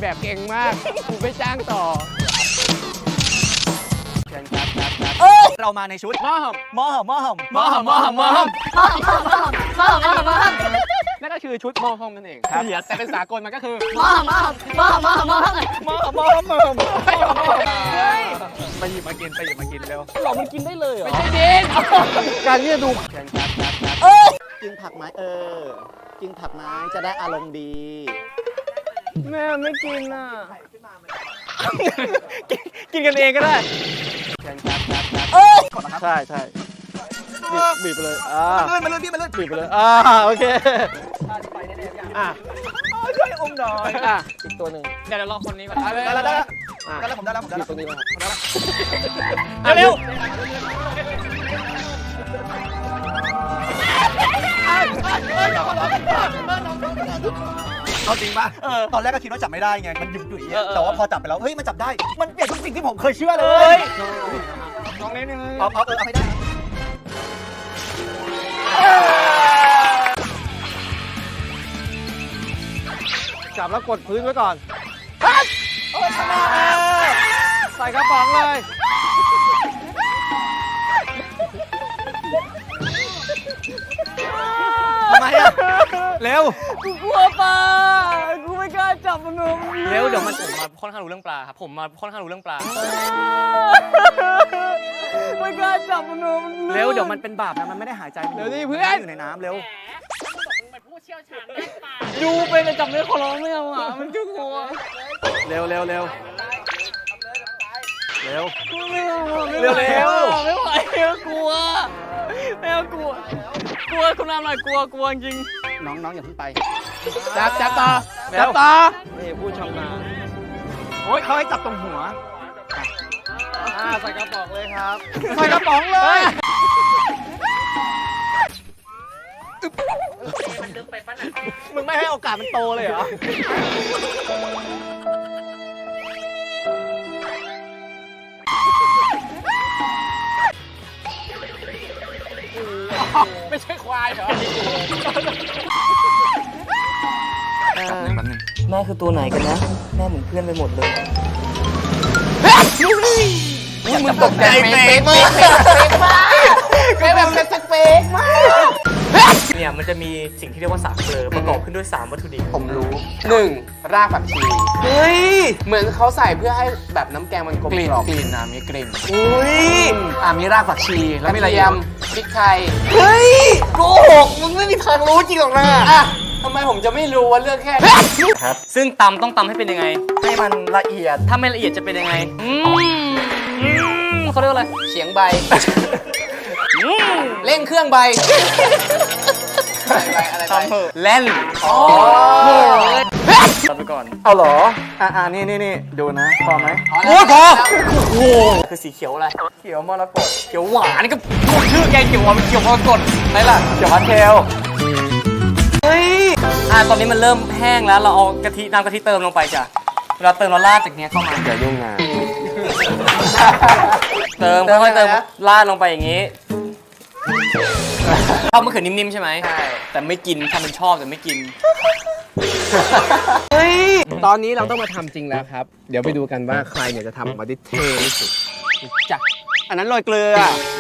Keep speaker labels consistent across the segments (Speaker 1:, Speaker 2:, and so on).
Speaker 1: แบบเก่งมากกูไม่จ้างต่อเชิญครับ
Speaker 2: เรามาในชุด
Speaker 1: มอม
Speaker 2: มอหม
Speaker 1: นั่นก็คือชุดมอมนั่นเองแต่เป็นสากลมันก็คือไปหยิบมากินเร็ว
Speaker 3: หรอมันกินได้เลยเหรอ
Speaker 1: ไม่ใช่ดินการที่จะดูเชิญครับ
Speaker 2: กินผักไหมกินผักไหมจะได้อารมณ์ดี
Speaker 3: แม่ไม่กินอ่ะ
Speaker 1: กินกันเองก็ได้ใช่บีบไปเลย
Speaker 2: มาเลยพี่มาเลย
Speaker 1: บีบไปเลยโอเค
Speaker 2: ช่วยอมหน่อย
Speaker 1: อีกตัวหนึ่งเดี๋ยวรอคนนี้ก่อน
Speaker 2: ได้แล้วผมได้แล้ว
Speaker 1: บีบตรงนี้มา
Speaker 2: เร็วเอาจริงป่ะตอนแรกก็คิดว่าจับไม่ได้ไงมันยุ่ยๆแต่ว่าพอจับไปแล้วเฮ้ยมันจับได้มันเปลี่ยนทุกสิ่งที่ผมเคยเชื่อเลย
Speaker 1: ลองนิดนึง
Speaker 2: เอาไม่ได้
Speaker 1: จับแล้วกดพื้นไว้ก่อนใส่กระป๋องเลย
Speaker 2: ทำไมอ่ะเร็ว
Speaker 3: กูกลัวปลากูไม่กล้าจับมัน
Speaker 1: เร็วเดี๋ยวผมมาค่อนข้างรู้เรื่องปลาครับผมมาค่อนข้างรู้เรื่องปลา
Speaker 3: ไม่กล้าจับมัน
Speaker 2: เร็วเดี๋ยวมันเป็นบาปนะมันไม่ได้หายใจ
Speaker 1: เดี๋ยวนี่เพื่อน
Speaker 2: อยู่ในน้ำเร็ว
Speaker 3: ดูไปแต่จับเนื้อขอร้องไม่เอาอ่ะมันจะกลัว
Speaker 2: เร็วไม่ไหว
Speaker 3: กลัวแมวกลัวคุณน้ำหน่อยกลัวจริง
Speaker 2: น้องอย่าเพิ่งไป
Speaker 1: จับต่อ
Speaker 3: นี่ผู้ชำนาญ
Speaker 2: โอ้ยเขาให้จับตรงหัว
Speaker 3: ใส่กระป๋องเลยครับ
Speaker 2: ใส่กระป๋องเลยมึงไม่ให้โอกาสมันโตเลยเหรอ
Speaker 1: ไม่ใช่ควายเหรอ
Speaker 3: แม่คือตัวไหนกันนะแม่เหมือนเพื่อนไปหมดเลย
Speaker 2: มึงตกใจเฟกมากแบบเฟกมาก
Speaker 3: เนี่ยมันจะมีสิ่งที่เรียกว่าสามเกลือประกอบขึ้นด้วย3วัตถุดิบ
Speaker 1: ผมรู้1รากผักชี
Speaker 2: เฮ้ย
Speaker 1: เหมือนเขาใส่เพื่อให้แบบน้ำแกงมันกลมกล่อมกลิ่นมีกลิ่น
Speaker 2: อุ้ย
Speaker 1: มีรากผักชีแล้วมีอะไรพริกไทย
Speaker 2: เฮ้ยโกหกมึงไม่มีทางรู้จริงหรอกนะ
Speaker 1: ทำไมผมจะไม่รู้ว่าเรื่องแค่
Speaker 3: ครับซึ่งตำต้องตำให้เป็นยังไง
Speaker 2: ให้มันละเอียด
Speaker 3: ถ้าไม่ละเอียดจะเป็นยังไงเขาเรียกว่าอะไร
Speaker 1: เฉียงใบเร่งเครื่องใบอะไร
Speaker 3: เล่น
Speaker 1: ตัดไปก่อน
Speaker 2: เอาเหรอนี่ดูนะพอไหม
Speaker 3: โอ้พอโอ้คือสีเขียวอะไร
Speaker 2: เขียวมรกต
Speaker 3: เขียวหวานนี่ก็ชื่อแกเขียวหวานเป็นเขียวมรกตไหนล่ะ
Speaker 2: เขียวพาสเทลเฮ้ย
Speaker 3: ตอนนี้มันเริ่มแห้งแล้วเราเอาน้ำกะทิเติมลงไปจ้ะเวลาเติมเราราดจากนี้เข้ามา
Speaker 2: อย่ายุ่งนะ
Speaker 3: เติมค่อยๆเติมราดลงไปอย่างนี้ชอบมะเขือนิ่มๆใช่ไหม
Speaker 1: ใช่
Speaker 3: แต่ไม่กินทำเป็นชอบแต่ไม่กิน
Speaker 2: เฮ้ย
Speaker 1: ตอนนี้เราต้องมาทำจริงแล้วครับเดี๋ยวไปดูกันว่าใครเนี่ยจะทำออกมาได้เท่ที่สุด
Speaker 2: จ้ะอันนั้นโรยเกลือ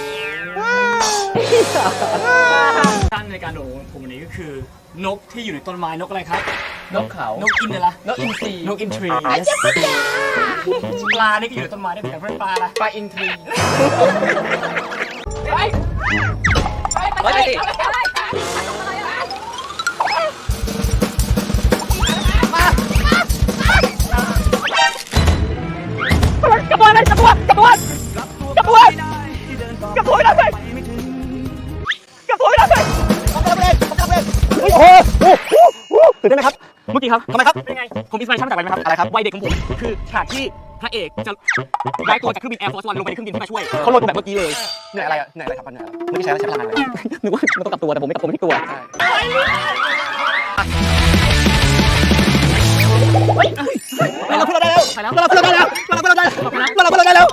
Speaker 3: ตั้งในการโดดผมวันนี้ก็คือนกที่อยู่ในต้นไม้นกอะไรครับ
Speaker 1: นกเขา
Speaker 3: นกอินเลยล่ะ
Speaker 1: นกอินทรี
Speaker 3: นกอินทรีปลานี่ก็อยู่ในต้นไม้ได้เหมือนกันปลาอะไร
Speaker 1: ปลาอินทรี
Speaker 3: ไปสิกระบวนเลยกระบวนเลยกระบวน
Speaker 2: โอ้โหตื่นเต้นไหมครับ
Speaker 3: เมื่อกี้ครับ
Speaker 2: ทำไมครับ
Speaker 3: เป็นไงผมอินสปิเรชั่นมาจากอะไรไหมครับ
Speaker 2: อะไรครับ
Speaker 3: วัยเด็กของผมคือฉากที่พระเอกจะย้ายตัวจากเครื่องบิน Air Force One ลงไปในเครื่องบินเพื่อมาช่วยเขาลงแบบเมื่อกี้เลย
Speaker 2: เหนื่อยอะไรครับเหนื่อยไม่ได้ใช้พลังงานเลย
Speaker 3: นึกว่ามันต้องกลับตัวแต่ผมไม่กลับตัวไม่กลัว
Speaker 2: เราพูดได้แล้วเราพูดได้แล้ว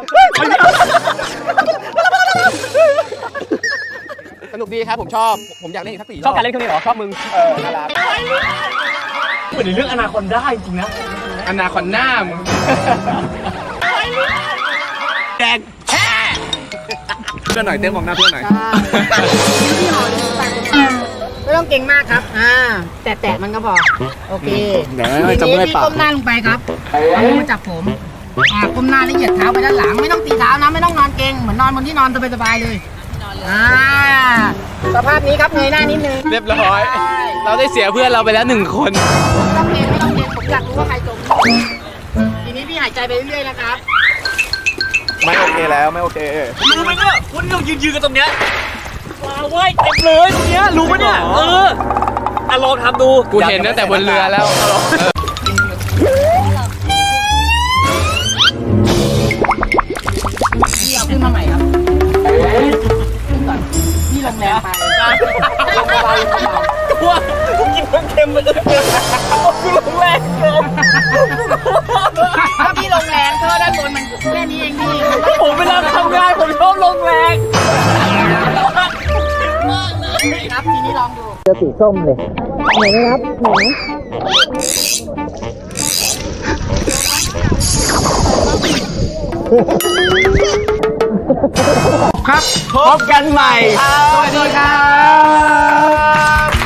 Speaker 1: สนุกดีครับผมชอบผมอยากเล่นอีกสัก4
Speaker 3: ชอบการเล่นเครื่องนี้เหรอชอบมึง
Speaker 2: น่ารัก
Speaker 3: เหมือนในเรื่องอนาคอนด้าจริงๆนะ
Speaker 1: อนาคอนด้ามึง
Speaker 3: แดงแฮ่
Speaker 2: เพื่อนหน่อยเต้นมองหน้าเพื่อนหน่อย
Speaker 4: ไม่ต้องเก่งมากครับ แตะมันก็พอ โอเค
Speaker 2: เดี๋ยว
Speaker 4: ที
Speaker 2: จะ
Speaker 4: นี้
Speaker 2: เมื่อย
Speaker 4: พี่
Speaker 2: ปาก
Speaker 4: ก้มหน้าลงไปครับเอามือมาจับผมก้มหน้าแล้วเหยียดเท้าไปด้านหลัง ไม่ต้องตีเท้านะ ไม่ต้องนอนเก่ง เหมือนนอนบนที่นอนสบายๆเลยสภาพนี้ครับเงยหน้านิดนึง
Speaker 1: เรียบร้อย เราได้เสียเพื่อนเราไปแล้ว1 คน
Speaker 4: ไม่ต้องเก่งไม่ต้องเก่งผมอยากรู้ว่าใครจมทีนี้พี่หายใจไปเรื่อยๆนะครับ
Speaker 2: ไม่โอเคแล้วไม่โอเค
Speaker 3: รู้ไหมเนี่ยวันนี้เรายืนกันตรงเนี้ยว้าวเว้ยเต็มเลยตรงเนี้ยรู้ไหมเนี่ยลองทำดู
Speaker 1: กูเห็นตั้งแต่บนเรือแล้ว
Speaker 4: พี่เอาขึ้นมาใหม่ครับพี่ลงแรงไป
Speaker 3: ว่ากูกินเพิ่งเค็มมาเลยกูลงแรงเกิน
Speaker 4: ถ้าพี่ลงแรงเธอด้านบนมันแค่นี้เองพี่
Speaker 3: ผมเวลาทำงานผมชอบลงแรง
Speaker 4: ครับทีนี้ลองดู
Speaker 3: พบกันใหม่
Speaker 4: สวัสดีครับ